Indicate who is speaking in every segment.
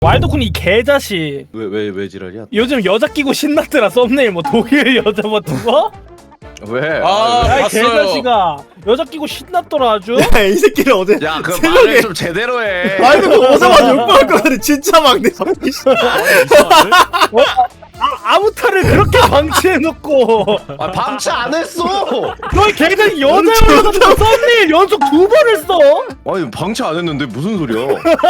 Speaker 1: 왈도쿤 이 개자식
Speaker 2: 왜 지랄이야?
Speaker 1: 요즘 여자 끼고 신났더라. 썸네일 뭐 독일 여자 뭐 두고?
Speaker 2: 왜?
Speaker 3: 아,
Speaker 1: 야
Speaker 3: 봤어요.
Speaker 1: 개자식아 여자 끼고 신났더라 아주.
Speaker 4: 야, 이 새끼를 어제
Speaker 2: 야, 그
Speaker 4: 새벽에
Speaker 2: 말을 좀 제대로 해.
Speaker 4: 아니 그 오자마자 욕먹을 거 같아. 진짜 막내 성기 씨.
Speaker 1: 아무탈을 그렇게 방치해놓고
Speaker 2: 아, 방치 안 했어.
Speaker 1: 너희 개자식 여자 여자 썸네일 연속 2번을 써?
Speaker 2: 아니, 방치 안 했는데 무슨 소리야?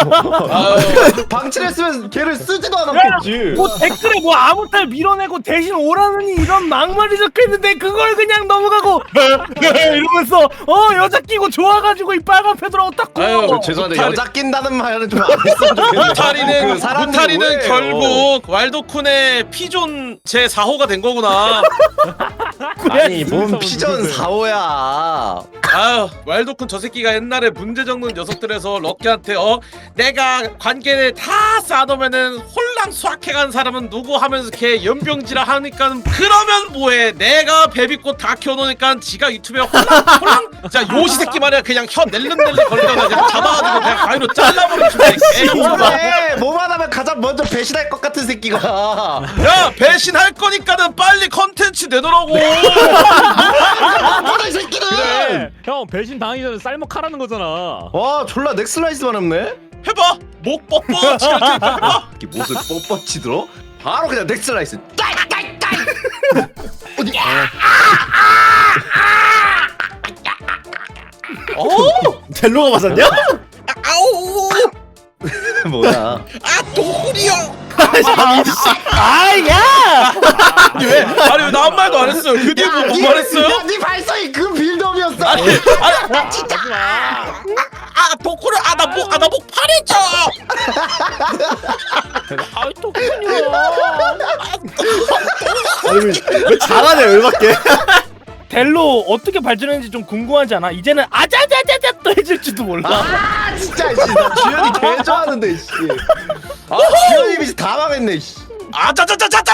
Speaker 2: 방치를 했으면 걔를 쓰지도
Speaker 1: 야,
Speaker 2: 않았겠지.
Speaker 1: 뭐 댓글에 뭐 아무탈 밀어내고 대신 오라느니 이런 막말이 적혀있는데 그걸 그냥 넘어가고 이러면서 여자 끼고 좋아가지고 이 빨간 패드라고 딱
Speaker 3: 아유,
Speaker 1: 고
Speaker 2: 죄송한데
Speaker 3: 무탈이-
Speaker 2: 여자 낀다는 말은 좀 안 했으면 좋겠네.
Speaker 3: 무타리는
Speaker 2: 그 사람들이
Speaker 3: 무타리는
Speaker 2: 오해해요.
Speaker 3: 결국 왈도쿤의 피존 제 4호가 된 거구나.
Speaker 2: 아니 뭔 피전 4호야.
Speaker 3: 아유, 왈도쿤 저 새끼가 옛날에 문제 적는 녀석들에서 럭키한테 내가 관계를 다 쌓아놓으면은 홀랑 수학해간 사람은 누구 하면서 걔 연병지라 하니까 그러면 뭐해? 내가 베비꽃 다 키워놓으니까 지가 유튜브에 홀랑 자 요시 새끼 말이야 그냥 혀 낼름낼름 걸리다가 그냥 잡아가지고 그냥 가위로 잘라버리고
Speaker 2: 그래 뭐만 하면 가장 먼저 배신할 것 같은 새끼가.
Speaker 3: 야 배신할 거니까는 빨리 컨텐츠 내놓으라고.
Speaker 2: 뭐다 이 새끼는.
Speaker 5: 그래. 형 배신 당하기 전에 쌀먹하라는 거잖아.
Speaker 2: 와 졸라 넥슬라이스만 없네.
Speaker 3: 해봐 목 뻗뻗 이렇게 해봐.
Speaker 2: 이렇게 못을 뻣뻣이 들어. 바로 그냥 넥슬라이스. 어디?
Speaker 4: 델로가 맞았냐?
Speaker 3: 아우
Speaker 2: 뭐야?
Speaker 3: 아 도구리요.
Speaker 1: 아야
Speaker 3: 왜? 아니 왜 나 한 말도 안 했어요. 그 뒤에 뭐 말했어요?
Speaker 2: 네 발성이 그 빌드업이었어.
Speaker 3: 아니 진짜 도구를 나목 파래져.
Speaker 1: 아이 또군요.
Speaker 4: 아니 왜 잘하냐 열받게.
Speaker 1: 델로 어떻게 발전했는지 좀 궁금하지 않아? 이제는 아자자자자 또 해줄지도 몰라.
Speaker 2: 아 진짜 씨, 나 주현이 개 좋아하는데 씨. 아 주현이 미치 다 망했네 씨.
Speaker 3: 아자자자자자.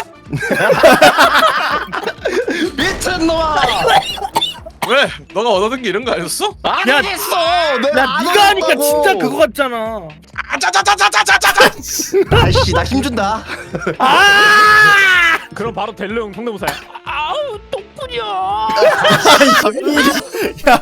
Speaker 2: 미친놈아.
Speaker 3: 왜? 너가 얻어든 게 이런 거 아니었어?
Speaker 2: 안
Speaker 1: 야,
Speaker 2: 하겠어.
Speaker 1: 야 네가 하니까 진짜 그거 같잖아.
Speaker 3: 아자자자자자자자.
Speaker 2: 아씨 나 힘준다.
Speaker 5: 그럼 바로 델로 형 성대모사야.
Speaker 1: 아우 똥꾸려.
Speaker 4: 야,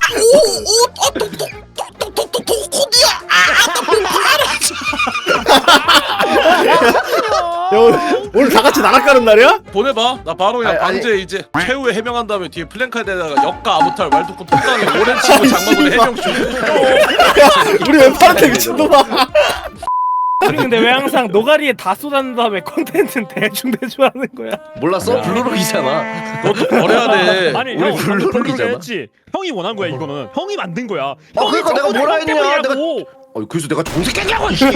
Speaker 4: 오늘 다 같이 나락 가는 날이야?
Speaker 3: 보내봐. 나 바로 그냥
Speaker 2: 아니,
Speaker 3: 방제 이제 최후에 해명한 다음에 뒤에 플랜카드에다가 역가 아무탈 말도코 톡단에 오랜 친구 장마군의 해명 중.
Speaker 4: 우리 왼팔한테 미친놈아.
Speaker 1: 우리 근데 왜 항상 노가리에 다 쏟아낸 다음에 콘텐츠는 대충 하는 거야?
Speaker 2: 몰랐어? 블루록이잖아.
Speaker 3: 그것도 버려야 돼.
Speaker 5: 아니
Speaker 2: 우리
Speaker 5: 형
Speaker 2: 블루록이잖아.
Speaker 5: 블루록을 했지. 형이 원한 거야 이거는. 형이 만든 거야.
Speaker 2: 그러니까 내가 뭐라 했냐,
Speaker 5: 때문이라고.
Speaker 2: 그래서 내가 정색했냐고 씨.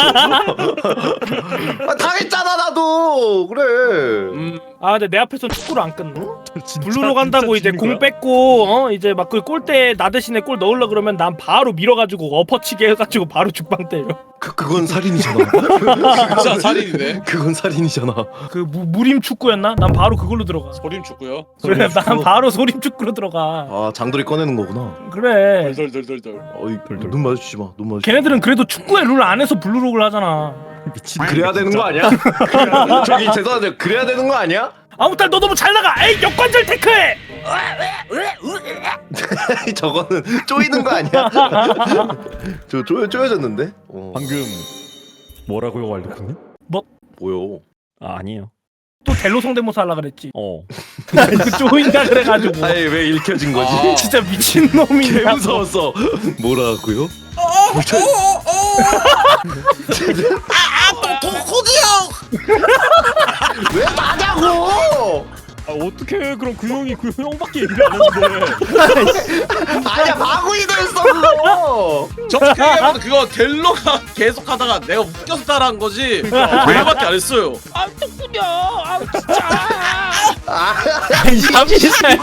Speaker 2: 아, 당했잖아 나도. 그래.
Speaker 1: 아 근데 내 앞에서 축구를 안 끊네.
Speaker 5: 진짜,
Speaker 1: 블루로 간다고
Speaker 5: 진짜
Speaker 1: 이제
Speaker 5: 지는
Speaker 1: 공
Speaker 5: 거야?
Speaker 1: 뺏고 이제 막 그 골대 나 대신에 골 넣으려 그러면 난 바로 밀어가지고 엎어치게 해가지고 바로 죽방 때려.
Speaker 2: 그건 살인이잖아.
Speaker 3: 진짜 살인이네.
Speaker 2: 그건 살인이잖아.
Speaker 1: 그 무림 축구였나? 난 바로 그걸로 들어가.
Speaker 3: 소림 축구요.
Speaker 1: 그래 난 바로 소림 축구로 들어가.
Speaker 2: 아 장돌이 꺼내는 거구나.
Speaker 1: 그래.
Speaker 3: 덜덜덜덜.
Speaker 2: 어이 눈 마주치지 마. 눈 마주.
Speaker 1: 걔네들은 그래도 축구의 룰 안에서 블루록을 하잖아.
Speaker 5: 미친.
Speaker 2: 그래야 되는 거 아니야? 저기 죄송한데 그래야 되는 거 아니야?
Speaker 1: 아무탈 너 너무 잘 나가. 에이 역관절 태클.
Speaker 2: 저거는 쪼이는 거 아니야? 저 쪼여졌는데?
Speaker 5: 방금 뭐라고요 왈도쿤?
Speaker 2: 뭐요?
Speaker 5: 아 아니에요.
Speaker 1: 또 델로 성대모사 하려 그랬지.
Speaker 5: 그
Speaker 1: 쪼인다 그래가지고.
Speaker 2: 아니 왜 읽혀진 거지?
Speaker 1: 진짜 미친 놈이야.
Speaker 2: 개 무서웠어. 뭐라고요? 왜 맞냐고?
Speaker 5: 아 어떻게 그럼 그 형이 그 형밖에 얘기를 안 했는데.
Speaker 2: 아니야 마구이 됐어 그거.
Speaker 3: 저렇게 얘기하면 그거 델로가 계속 하다가 내가 웃겨서 따라한 거지. 그거밖에 안 했어요.
Speaker 1: 아 똥꾸려. 아 진짜.
Speaker 4: 아니 잠시만.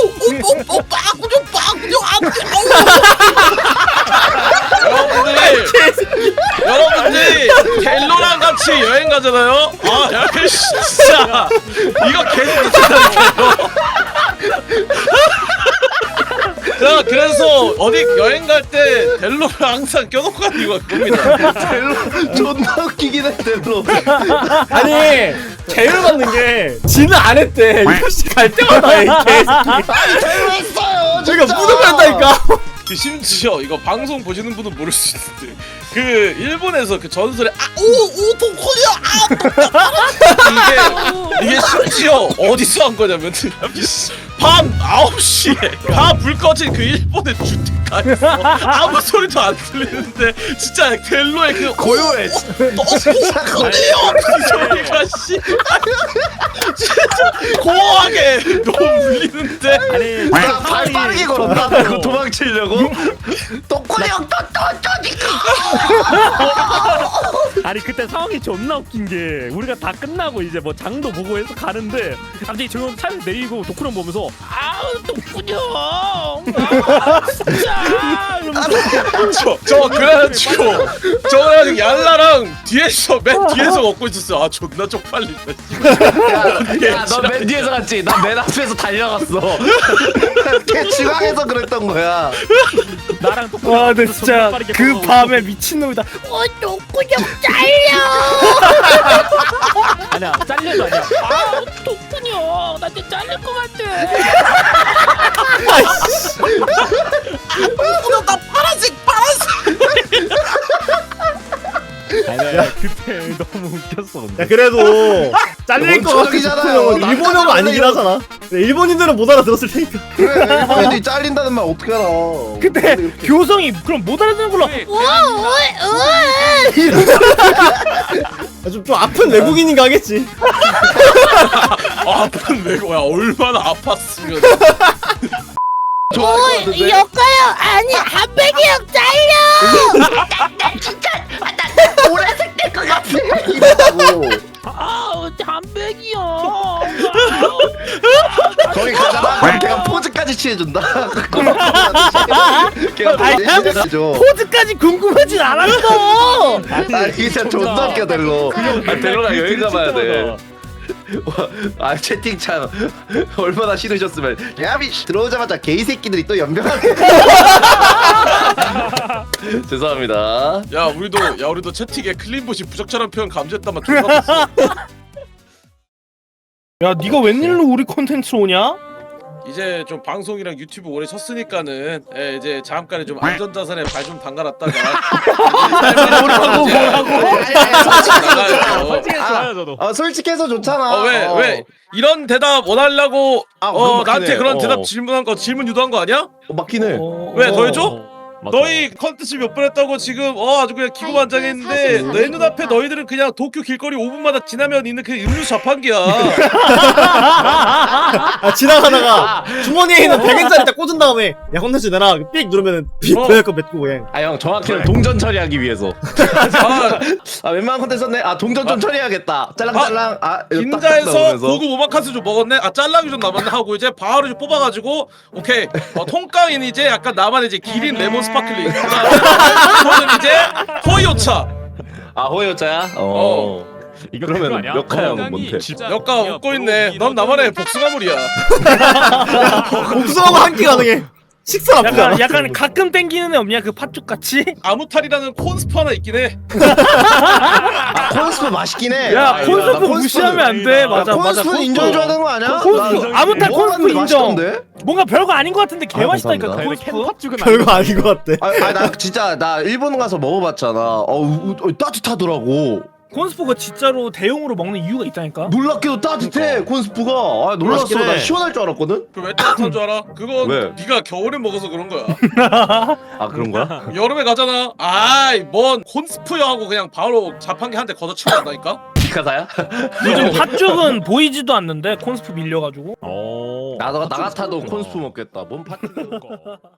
Speaker 3: 여러분들이 델로랑 같이 여행 가잖아요. 아, 야, 진짜 이거 계속 듣는다니까요. 자 그래서 어디 여행 갈 때 델로를 항상 껴놓고 가는 이유가 그겁니다.
Speaker 2: 델로 존나 웃기긴 해 델로.
Speaker 4: 아니 제일 맞는 게 지는 안 했대. 유씨 갈 때마다 해 개새끼.
Speaker 2: 아니 델로 했어요.
Speaker 4: 저희가
Speaker 2: 진짜.
Speaker 4: 무덤을 한다니까.
Speaker 3: 그 심지어 이거 방송 보시는 분은 모를 수 있는데 그 일본에서 그 전설의 아오오 동코야 이게 심지어 어디서 한 거냐면 밤 9시에 다 불 꺼진 그 일본의 주택가에서 아무 소리도 안 들리는데 진짜 델로의 그
Speaker 2: 고요해.
Speaker 3: 어떡하네요 그 소리가 씨 진짜 고하게 너무 울리는데
Speaker 5: 아니
Speaker 2: 발 빠르게 걸었나? 그거 도망치려고? 똥꼬리 형
Speaker 5: 아니 그때 상황이 존나 웃긴 게 우리가 다 끝나고 이제 뭐 장도 보고 해서 가는데 갑자기 저 형 차에서 내리고 도쿠랑 보면서 아우 도쿠 형 진짜 이러면서
Speaker 3: 저 그래가지고 얄라랑 뒤에서 맨 뒤에서 먹고 있었어요. 아 존나 쪽팔린다.
Speaker 2: 야너 맨 뒤에서 갔지? 나 맨 앞에서 달려갔어. 걔 중앙에서 그랬던 거야.
Speaker 5: 나랑 도쿠
Speaker 1: 와 근데 진짜 그 밤에 미친놈이다. 똥구녕 잘려.
Speaker 5: 아니야 잘려도 아니야 아 도쿠 형 나한테 잘릴 것 같아
Speaker 3: 나 파란색.
Speaker 5: 아니 그때 너무 웃겼어 근데.
Speaker 4: 야 그래도 잘릴 것 같은
Speaker 2: 원초적이잖아요.
Speaker 4: 도쿠형은 일본어가
Speaker 2: 남자가
Speaker 4: 아니긴
Speaker 2: 원래
Speaker 4: 하잖아. 일본인들은 못 알아들었을 테니까.
Speaker 2: 그래 일본인들이 잘린다는 말 어떻게 알아?
Speaker 1: 근데 교성이 그럼 못 알아듣는 걸로.
Speaker 4: 좀 아픈 외국인인가 하겠지.
Speaker 3: 아픈 외고야 얼마나 아팠으면.
Speaker 2: 좋아할 것 같은데?
Speaker 6: 여가요 아니 한백이 형 잘려.
Speaker 2: 보라색 될 것 같아. 이러고
Speaker 5: 아우 한백이 형
Speaker 2: 거기 가잖아. 그럼 걔가 포즈까지 취해준다. 걔가
Speaker 1: 아니,
Speaker 2: 포즈 취해줘.
Speaker 1: 포즈까지 궁금하진 않았어.
Speaker 2: 아 이게 진짜 존나 웃겨 델로. 아 델로랑 여행 가봐야 돼. 아 채팅창 얼마나 싫으셨으면 야비 들어오자마자 게이 새끼들이 또 연병하네. 죄송합니다.
Speaker 3: 야 우리도 채팅에 클린봇이 부적절한 표현 감지했다만 존나 봤어.
Speaker 1: 야 네가 웬일로 우리 콘텐츠 오냐?
Speaker 3: 이제 좀 방송이랑 유튜브 오래 쳤으니까는 이제 잠깐에 좀 안전자산에 발 좀 담가놨다가
Speaker 1: 뭐라고
Speaker 5: 솔직히 좋아요 저도
Speaker 2: 솔직해서 좋잖아.
Speaker 3: 왜 이런 대답 원하려고
Speaker 2: 그건 맞긴
Speaker 3: 나한테
Speaker 2: 해.
Speaker 3: 그런 대답 질문 유도한 거 아니야?
Speaker 2: 맞긴 해.
Speaker 3: 왜 더 해줘?
Speaker 5: 맞아.
Speaker 3: 너희 컨텐츠 몇 번 했다고 지금 아주 그냥 기고만장했는데 내 눈앞에 너희들은 그냥 도쿄 길거리 5분마다 지나면 있는 그 음료수 자판기야.
Speaker 4: 아 지나가다가 주머니에 있는 100엔짜리 딱 꽂은 다음에 야 콘텐츠 내놔 삑 누르면은 비벼 거 맺고 그냥.
Speaker 2: 아 형 정확히는 동전 처리하기 위해서. 아 웬만한 컨텐츠 썼네. 아 동전 좀 처리해야겠다. 짤랑짤랑.
Speaker 3: 긴자에서 고급 오마카세 좀 먹었네. 아 짤랑이 좀 남았네 하고 이제 바로 이제 뽑아가지고 오케이 통깡인 이제 약간 나만 이제 기린 레몬 스파클링. 그거는 이제 호이오차.
Speaker 2: 아 호요자야?
Speaker 5: 이거
Speaker 2: 그러면
Speaker 5: 그거 아니야?
Speaker 2: 역할은 뭔데?
Speaker 3: 역가 웃고 있네. 넌 나만의 복숭아물이야.
Speaker 4: 복숭아가 한 끼 가능해. 식사 나쁘지 않아.
Speaker 1: 약간 가끔 땡기는 애 없냐 그 팥죽 같이?
Speaker 3: 아무탈이라는 콘스프 하나 있긴 해.
Speaker 2: 아 콘스프 맛있긴 해.
Speaker 1: 야
Speaker 2: 아,
Speaker 1: 콘스프
Speaker 2: 나 콘스프는-
Speaker 1: 무시하면 안 돼. 맞아 맞아.
Speaker 2: 콘스프는 인정해줘야 되는 거 아니야?
Speaker 1: 콘스프 아무탈 콘스프 인정.
Speaker 2: 맛있던데?
Speaker 1: 뭔가 별거 아닌 것 같은데 개 맛있다니까 그
Speaker 2: 감사합니다.
Speaker 1: 콘스프.
Speaker 5: 팥죽은
Speaker 4: 별거 아닌 것 같아.
Speaker 2: 나 진짜 나 일본 가서 먹어봤잖아. 따뜻하더라고.
Speaker 1: 콘스프가 진짜로 대용으로 먹는 이유가 있다니까.
Speaker 2: 놀랍게도 따뜻해 콘스프가. 아 놀랐어.
Speaker 4: 맛있긴 해.
Speaker 2: 나 시원할 줄 알았거든.
Speaker 3: 그 왜 따뜻한 줄 알아? 그건
Speaker 2: 왜?
Speaker 3: 네가 겨울에 먹어서 그런 거야.
Speaker 2: 아 그런 거야?
Speaker 3: 여름에 가잖아. 아이 뭔 콘스프야 하고 그냥 바로 자판기 한 대 걷어치고 간다니까.
Speaker 2: 피카사야?
Speaker 1: 요즘 팥죽은 보이지도 않는데 콘스프 밀려가지고.
Speaker 5: 어
Speaker 2: 나 같아도 콘스프 먹겠다. 뭔 파티?